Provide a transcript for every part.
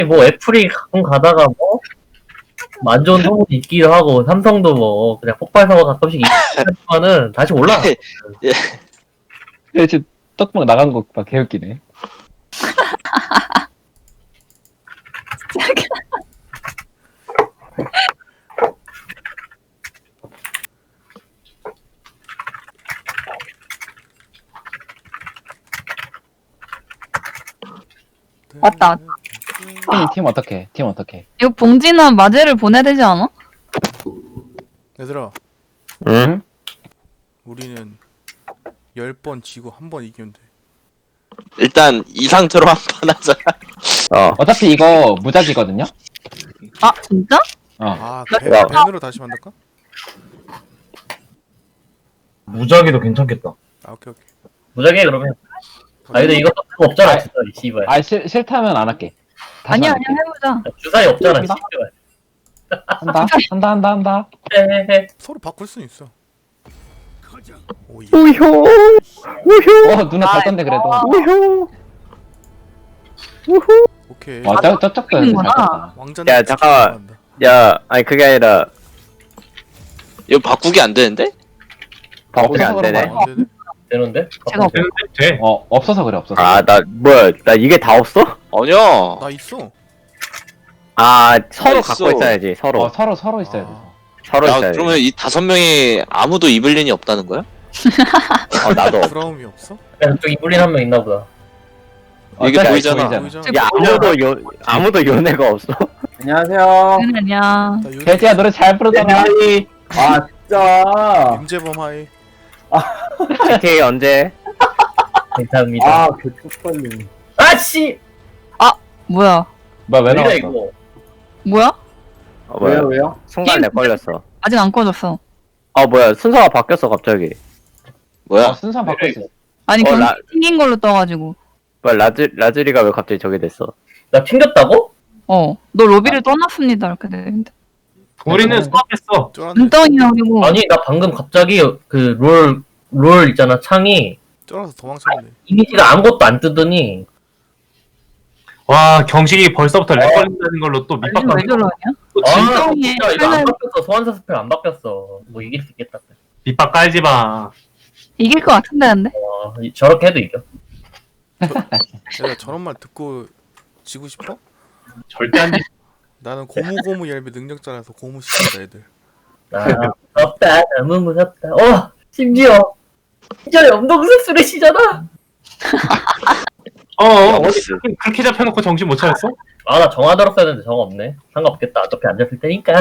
뭐 애플이 가끔 가다가 뭐 안 좋은 소문이 있기도 하고 삼성도 뭐 그냥 폭발 사고 가끔씩 있지만은 다시 올라가. 야, 지금 떡밥 나간 거 봐, 개웃기네. 왔다. 팀 어떡해? 팀 어떡해? 이거 봉지나 마제를 보내야 되지 않아? 얘들아, 응? 우리는 10번 지고 한 번 이기면 돼. 일단 이 상태로 한 판 하자. 어차피 이거 무작이거든요? 아 진짜? 아, 야. 밴으로 다시 만들까? 무작위도 괜찮겠다. 아, 오케이. 무작위 그러면. 아 근데 이거 그거 없잖아 주사위 씨발. 아, 싫다면 안 할게. 다시 아니야 만들게. 아니야 해보자. 주사위 없잖아 한다? 씨발. 한다. 헤헤헤. 서로 바꿀 수는 있어. 오이. 우효. 눈에 밟던데, 그래도. 우효. 오케이. 저쪽도 있는구나. 밟았다. 왕자. 야, 잠깐만. 야, 아니 그게 아니라 이거 바꾸기 안 되는데? 바꾸기 안 되네. 안 되네. 되는데? 제가 없- 돼. 없어서 그래, 없어서. 아, 나 뭐야? 나 이게 다 없어? 아니야. 나 있어. 아, 서로 있어. 갖고 있어야지. 서로. 서로 있어야 돼. 아, 서로 야, 있어야지. 그러면 이 5명이 아무도 이블린이 없다는 거야? 나도. 없어. 브라움이 없어? 야, 저기 이블린 한 명 있나 보다. 이게 어차피 보이잖아. 보이잖아. 야, 아무도 연애가 없어. 안녕하세요. 아니야. 나 요즘 돼지야, 노래 잘 부르잖아. 아 진짜. 임재범 하이. GTA 언제? 감사합니다. 아 개쪽팔림. 아씨! 뭐야? 뭐야, 왜 왜이래 나왔어? 이거? 뭐야? 뭐야? 왜요? 순간 내 걸렸어. 아직 안 꺼졌어. 뭐야? 순서가 바뀌었어 갑자기. 뭐야? 순서 바꿔 있어. 아니 어, 경기 나- 생긴 걸로 떠가지고. 뭐야? 라즈리가 왜 갑자기 저기 됐어? 나 튕겼다고? 너 로비를 떠났습니다 이렇게 되는데. 우리는 수업했어. 쫄았네. 눈덩이하고 아니 나 방금 갑자기 그 롤 있잖아 창이 쫄아서 도망쳤네. 이미지가 아무것도 안 뜨더니 와 경식이 벌써부터 렉 걸린다는 걸로 또 왜 밑밥까지 저러냐? 또 아 진동이에 진짜 이거 안 칼날- 바뀌었어. 소환사 스펠 안 바뀌었어. 뭐 이길 수 있겠다. 밑밥 깔지 마. 이길 것 같은데 근데. 저렇게 해도 이겨. 내가 저런 말 듣고 지고 싶어? 절대 안 돼. 나는 고무고무 얄미 능력자라서 고무 시킨다 애들. 아 무섭다. 너무 무섭다. 심지어 염동색술의 시잖아. 어디 그렇게 잡혀놓고 정신 못 차렸어? 아 나 정화 들었어야 되는데 정화 없네. 상관없겠다. 어차피 안 잡힐 테니까.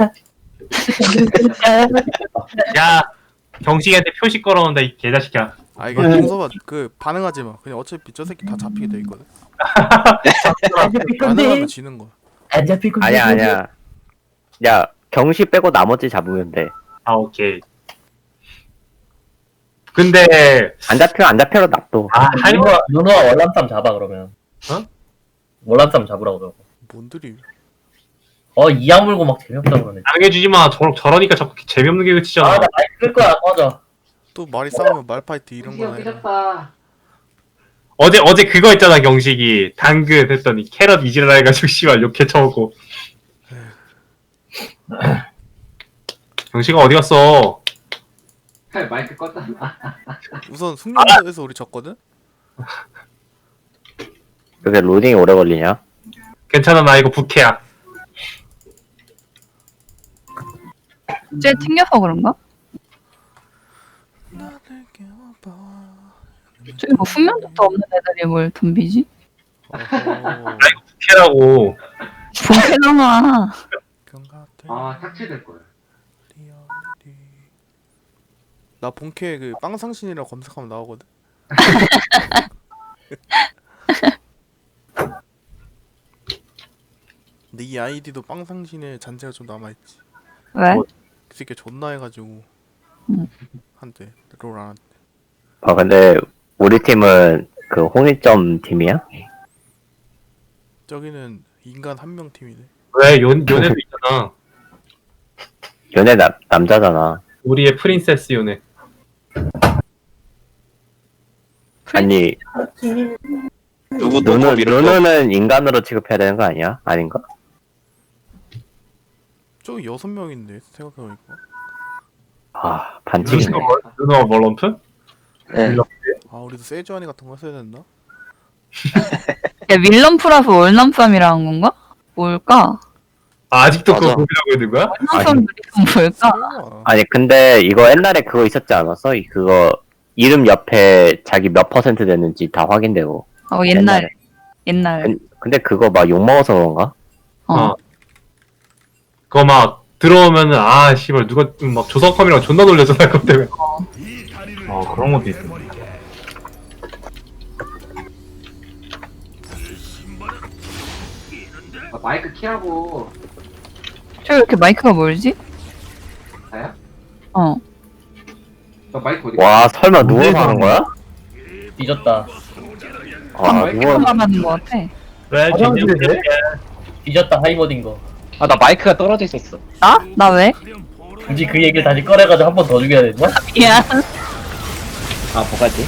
야 경식이한테 표시 걸어온다 이 개자식이야. 아 이게 동서가 그 반응하지 마. 그냥 어차피 저 새끼 다 잡히게 돼 있거든. 안 잡힐 반응하면 건데. 지는 거야. 안 잡힐 건데. 아니야. 야, 경시 빼고 나머지 잡으면 돼. 아 오케이. 근데 안 잡혀도 놔둬. 누누아 월남쌈 잡아 그러면. 어? 월남쌈 잡으라고 그러고. 뭔들이 이악 물고 막 재미없다 그러네. 당해주지 마. 저러니까 자꾸 재미없는 게 아 그치잖아. 나 마이크 끌 거야. 꺼져. 또 말이 싸우면 말파이트 이런 거나 해라. 어제 그거 있잖아 경식이 당근 했더니 캐럿 이지랄 해가지고 씨발 욕해 쳐먹고. 경식아 어디 갔어? 마이크 껐다. 우선 숙련도에서 우리 졌거든. 그게 로딩이 오래 걸리냐? 괜찮아 나 이거 부캐야. 쟤 튕겨서 그런가? 저기 뭐 훈련도도 없는 애들이 뭘 덤비지? 부캐라고. 본캐잖아. 삭제될 거야. 나 본캐 그 빵상신이라 검색하면 나오거든. 근데 이 아이디도 빵상신의 잔재가 좀 남아있지. 왜? 그 새끼 존나 해가지고 한때 롤 안 한대. 근데 우리 팀은 그 홍일점 팀이야? 저기는 인간 한 명 팀이네. 왜 요네도 있잖아. 연애 남자잖아. 우리의 프린세스 요네. 아니 누구 또 밀을 거? 누누는 인간으로 취급해야 되는 거 아니야? 아닌가? 저기 6명인데 생각해보니까. 아 반칙이네. 누누와 멀럼프? 네. 아 우리도 세주아니 같은 거 써야 된다. 야, 밀럼프라서 월남쌈이라는 건가? 뭘까? 아직도 맞아. 그거 고민하고 있는 거야? 월남쌈 그림은 뭘까? 설마. 아니 근데 이거 옛날에 그거 있었지 않았어? 그거 이름 옆에 자기 몇 퍼센트 됐는지 다 확인되고. 옛날. 근데 그거 막 욕먹어서 그런가? 어. 그거 막 들어오면은 아 씨발 누가 막 조석컴이랑 존나 놀려잖아 그것 때문에. 그런 것도 있어. 마이크 키라고. 저 이렇게 마이크가 멀지? 다야? 어. 너 마이크 어디? 와 설마 누워서 하는 거야? 뒤졌다. 아 누워. 말하는 것 같아. 왜 화장실에 뒤졌다 하이머딘 거. 아, 나 마이크가 떨어져 있었어. 나? 나 왜? 굳이 그 얘기를 다시 꺼내가지고 한 번 더 죽여야 되나? 미안. 아, 뭐가지?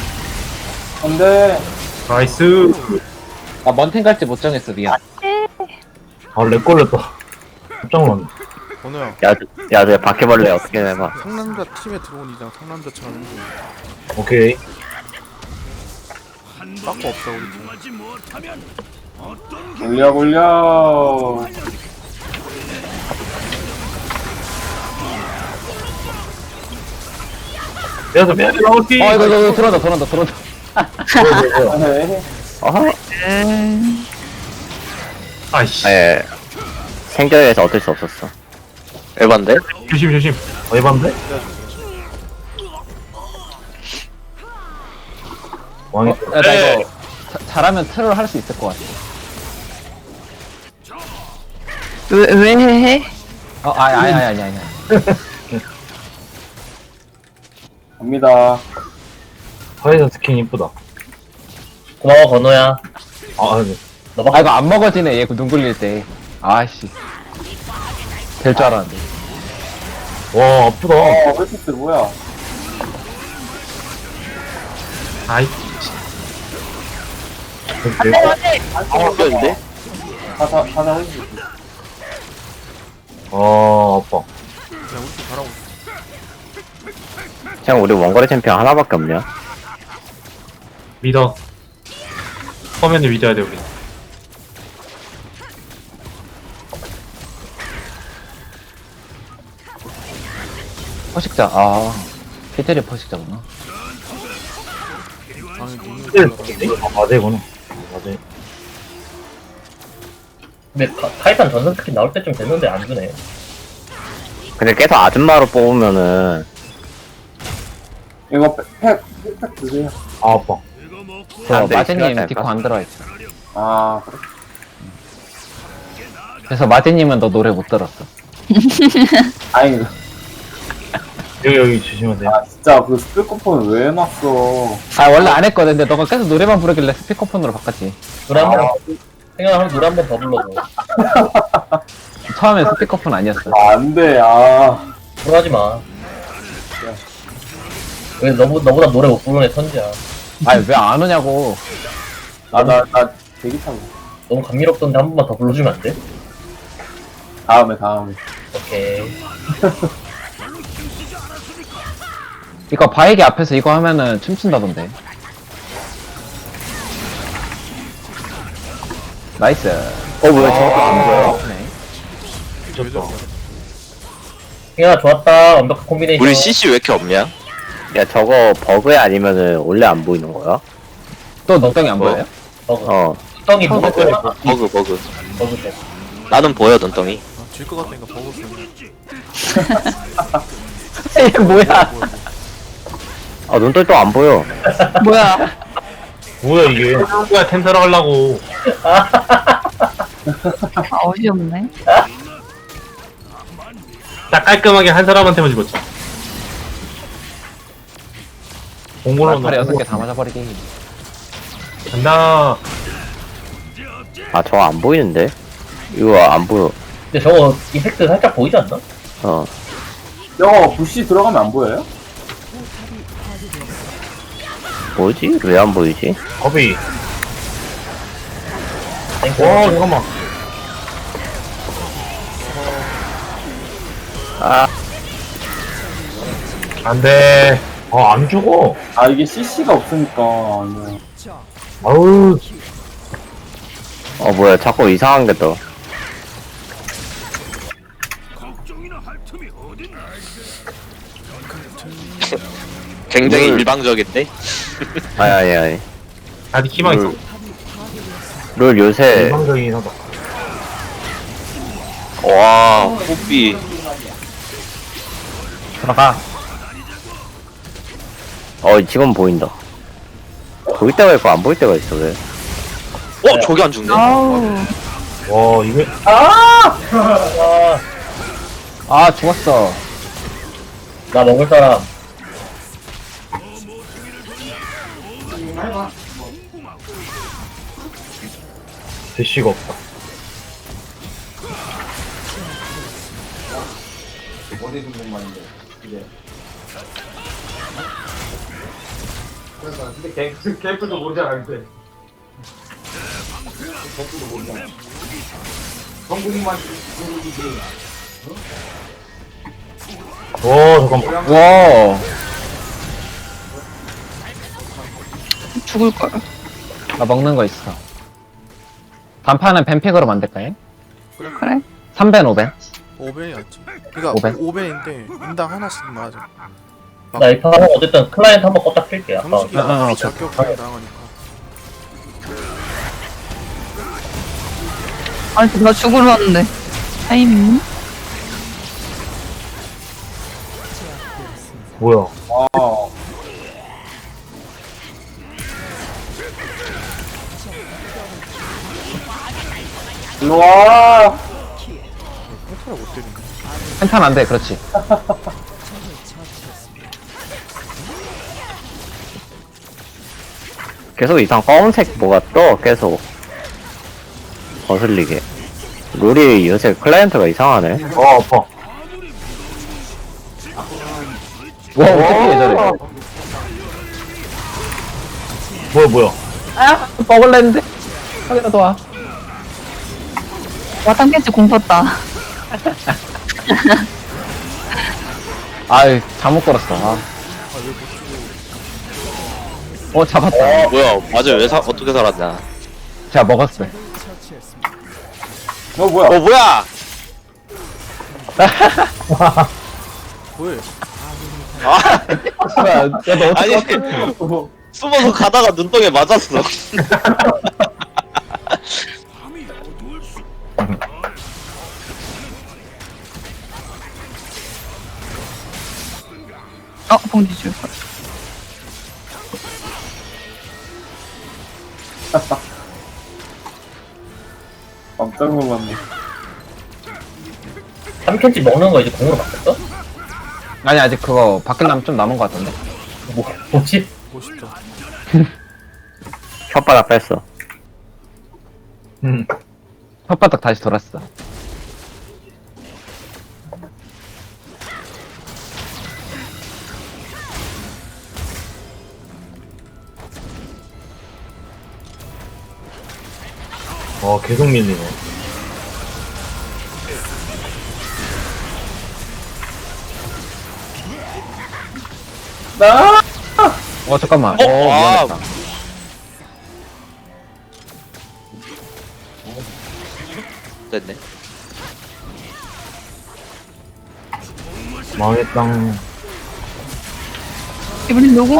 근데 나이스. 아, 먼텐 갈지 못 정했어, 미안. 아렉 걸렸다. 깜짝 놀랐네. 번호야. 야, 내 바퀴벌레 어떻게 해봐. 상남자 팀에 들어온 이상 상남자처럼 해줘. 오케이. 딴거 없다 우리 팀. 굴려. 그래서 맨 나오지. 이거 들어온다. 네. 어허. 아이씨. 예. 생존에서 어쩔 수 없었어. 에반데? 조심. 에반데? 왕이. 야, 나 이거 잘하면 트롤 할 수 있을 것 같아. 왜 해? 아니. 갑니다. 화이자 스킨 이쁘다. 고마워 건호야. 네. 너밖에 이거 안 먹어지네, 얘 눈 굴릴 때. 아씨. 될 줄 알았는데. 와 아프다. 헬스트 뭐야? 아이. 바뀌었는데? 사자 헬스트. 아파. 그냥 우리 팀 잘하고 있어. 그냥 우리 원거리 챔피언 하나밖에 없냐? 믿어. 화면을 믿어야 돼 우리. 포식자, 피테리 포식자구나. 아니 눈이 맞아 이거는. 맞아. 근데 타이탄 전선 스킨 나올 때쯤 됐는데 안 주네. 근데 계속 아줌마로 뽑으면은 이거 팩 드세요. 아파. 사람들이 마제님 싫어하지 디코 않을까? 안 들어있어. 아 그래? 그래서 마제님은 너 노래 못 들었어. 다행이다. 여기 주시면 돼요. 아 진짜 그 스피커폰을 왜 해놨어? 원래 안 했거든. 근데 너가 계속 노래만 부르길래 스피커폰으로 바꿨지. 노래 한 번, 생각하면 노래 한 번 더 불러줘. 처음엔 스피커폰 아니었어. 안돼 불하지 마. 왜 너보다 노래 못 부르는 애 천지야. 왜 안 오냐고. 나 대기 타고. 너무 감미롭던데 한 번만 더 불러주면 안 돼? 다음에. 오케이. 이거 바이기 앞에서 이거 하면은 춤춘다던데. 나이스. 뭐야 저거 안 보여? 네. 미쳤다. 승현아 좋았다. 완벽한 콤비네이션. 우리 CC 왜 이렇게 없냐? 야 저거 버그야 아니면은 원래 안 보이는 거야? 또 눈덩이 안 보여요? 버그. 어. 덩이 뭐가 보여? 버그. 버그 때. 나는 보여, 눈덩이. 질것 같으니까 버거스. 이게 뭐야? 아 눈돌 또 안 보여. 뭐야? 뭐야 이게? 누가 텐트를 하려고. 어이없네. 딱 깔끔하게 한 사람한테만 집었지. 공고로 팔에 6개 다 맞아버리기. 아 간다. 저거 안 보이는데? 이거 안 보여. 근데 저거 이펙트 살짝 보이지 않나? 어. 저거 부시 들어가면 안 보여요? 뭐지? 왜 안 보이지? 겁이. 와, 잠깐만. 아, 안 돼. 안 죽어. 아 이게 CC가 없으니까 뭐. 아우, 뭐야, 자꾸 이상한 게 떠. 굉장히 일방적인데? 아니. 아직 희망 있어. 룰 요새, 일방적이긴 하다. 와, 호비. 들어가. 지금 보인다. 보일 때가 있고 안 보일 때가 있어, 왜? 저기 안 죽네. 아우. 와, 이게. 아, 죽었어. 나 먹을 사람. 대시가 없다. 근데 개뿔도 모르잖아, 근데. 개뿔도 모르잖아. 성국만 모르지. 잠깐만. 와. 죽을걸. 나 먹는 거 있어. 단판은 뱀픽으로 만들까요? 그래? 3벤, 5벤? 5벤이었지. 그니까 오벤? 5벤인데 인당 하나씩 맞아. 나 이 판 어쨌든 클라이언트 한번 껐다 킬게. 아까. 형식이 오케이. 적격하게 나가니까. 아니, 나 죽으러 왔는데. 타이밍? 뭐야. 아 일로와. 컨트롤 못 때리네. 한탄 안 돼, 그렇지. 계속 이상 검은색 뭐가 떠, 계속. 거슬리게. 룰이 요새 클라이언트가 이상하네. 아파. 와, 어떻게 저래. 뭐야. 아, 먹을랬는데. 하기라도 와. 와, 탐켄치 공팠다. 아유, 잘못 걸었어. 아. 잡았다. 뭐야, 맞아, 어떻게 살았냐. 제가 먹었어요. 뭐야? 뭐야! 뭐해? 뭐야, 야, 너 어떻게 아니, 숨어서 가다가 눈덩이에 맞았어. 봉지 줄걸. 깜짝 놀랐네. 3캔치 먹는 거 이제 공으로 바뀌었어? 아니, 아직 그거 바뀌려면 좀 남은 것 같은데. 뭐지? 멋있다. 혓바닥 뺐어. 혓바닥 다시 돌았어. 계속 밀리네. 잠깐만. 아. 미안했다. 됐네. 망했당. 이번엔 누구?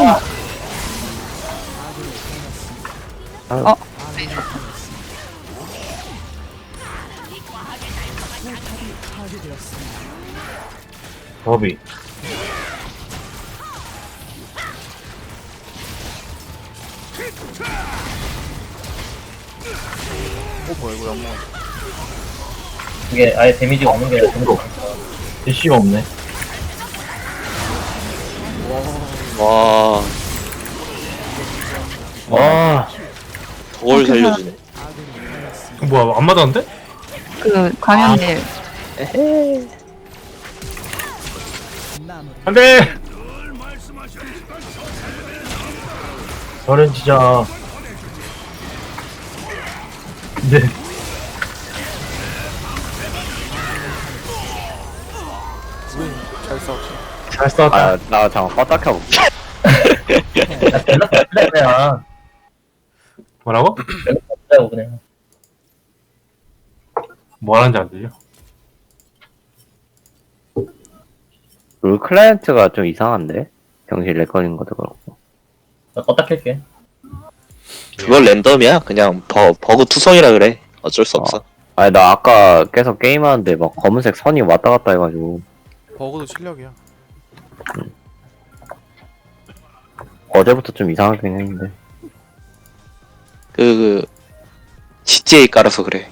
더비. 뭐야 이거 양모. 이게 아예 데미지가 없는 게 아니라 정도. 대시가 없네. 와. 와. 저걸 살려주네. 뭐야, 안 맞았는데? 그, 감염될. 안 돼! 저는 진짜. 네. 우리 잘 싸웠어. 잘 싸웠다. 아, 나 잠깐 껐다 켜볼게. 그냥 뭐라고? 그냥 그냥. 뭐 하는지 안 들려. 롤 클라이언트가 좀 이상한데? 정신 렉걸린 것도 그렇고. 나 껐다 켤게. 그걸 랜덤이야. 그냥 버그 투성이라 그래. 어쩔 수 없어. 아니, 나 아까 계속 게임하는데 막 검은색 선이 왔다 갔다 해가지고. 버그도 실력이야. 어제부터 좀 이상하긴 했는데. GTA 깔아서 그래.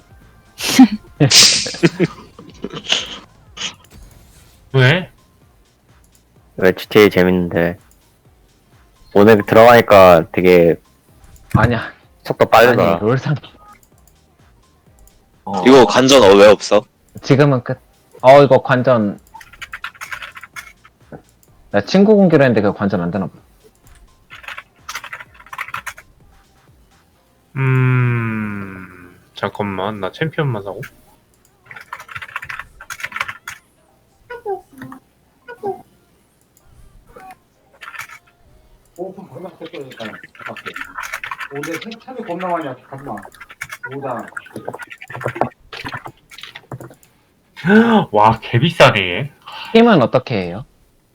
왜? 왜 GTA 재밌는데. 오늘 들어가니까 되게 아니야. 속도 아니, 빠르더라. 롤상. 이거 관전 왜 없어? 지금은 끝. 이거 관전. 나 친구 공개로 했는데 그거 관전 안 되나 봐. 잠깐만. 나 챔피언만 사고. 오픈 겁나 뺏겨니까 오늘 참이 겁나 많이 왔어 겁나 오다 와, 개비싸네. 팀은 어떻게 해요?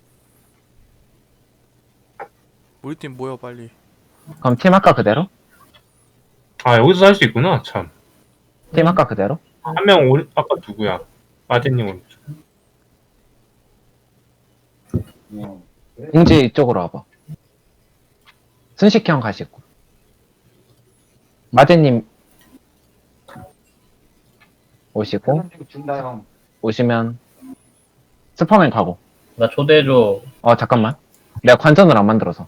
우리 팀 모여 빨리. 그럼 팀 아까 그대로? 아, 여기서 살 수 있구나, 참. 팀 아까 그대로? 한 명, 아까 누구야? 마제님 공지 이쪽으로 와봐. 순식형 가시고. 마제님 오시고, 준다 형 오시면 슈퍼맨 가고. 나 초대해줘. 잠깐만. 내가 관전을 안 만들어서.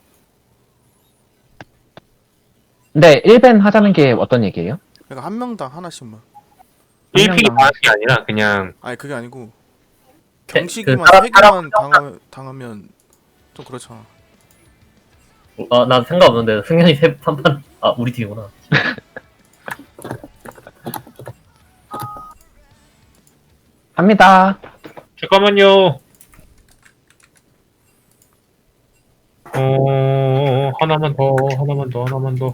근데 1벤 하자는 게 어떤 얘기예요? 그러니까 한 명당 하나씩만. 1픽이 명 많은 게 아니라 그냥 아니 그게 아니고 그 경식이만 사람- 3개만 당하면 좀 그렇잖아. 난 상관없는데 승현이 3판 우리 팀이구나. 합니다. 잠깐만요. 하나만 더.